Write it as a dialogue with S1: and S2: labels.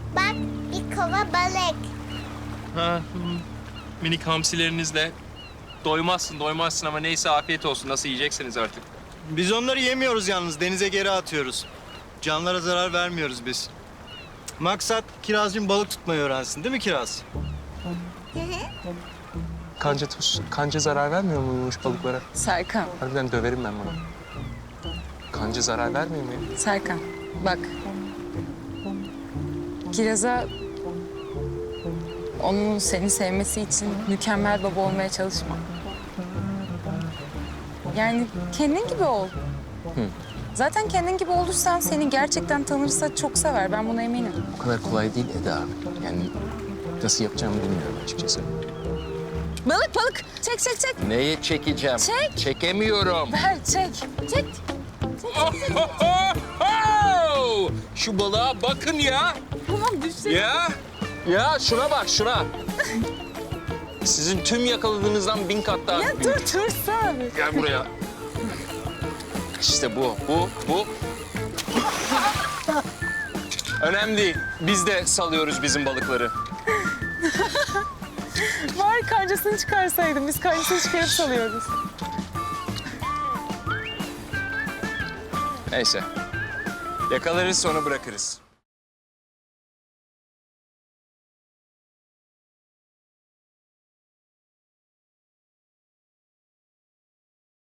S1: Bak bir kova balık.
S2: Ha, minik hamsilerinizle doymazsın ama neyse afiyet olsun. Nasıl yiyeceksiniz artık?
S3: Biz onları yemiyoruz yalnız. Denize geri atıyoruz. Canlara zarar vermiyoruz biz. Maksat Kirazcığım balık tutmayı öğrensin değil mi Kiraz?
S2: Kanca zarar vermiyor muymuş balıklara?
S4: Serkan,
S2: Harbiden döverim ben bunu. Kanca zarar vermiyor mu ya?
S4: Serkan bak. Kiraz'a onun seni sevmesi için mükemmel baba olmaya çalışma. Yani kendin gibi ol. Zaten kendin gibi olursan seni gerçekten tanırsa çok sever. Ben buna eminim.
S2: O kadar kolay değil Eda. Yani nasıl yapacağımı bilmiyorum açıkçası.
S4: Balık. Çek.
S2: Neye çekeceğim?
S4: Çek.
S2: Çekemiyorum.
S4: Ver çek. Çek.
S2: Şu balığa bakın ya.
S4: Tamam düşecek.
S2: Ya şuna bak şuna. Sizin tüm yakaladığınızdan 1000 kat daha.
S4: Ya dur sen.
S2: Gel buraya. İşte bu. Önemli değil. Biz de salıyoruz bizim balıkları.
S4: Var kancasını çıkarsaydım. Biz kancasını çıkarıp salıyoruz.
S2: Neyse. Yakalarız sonra bırakırız.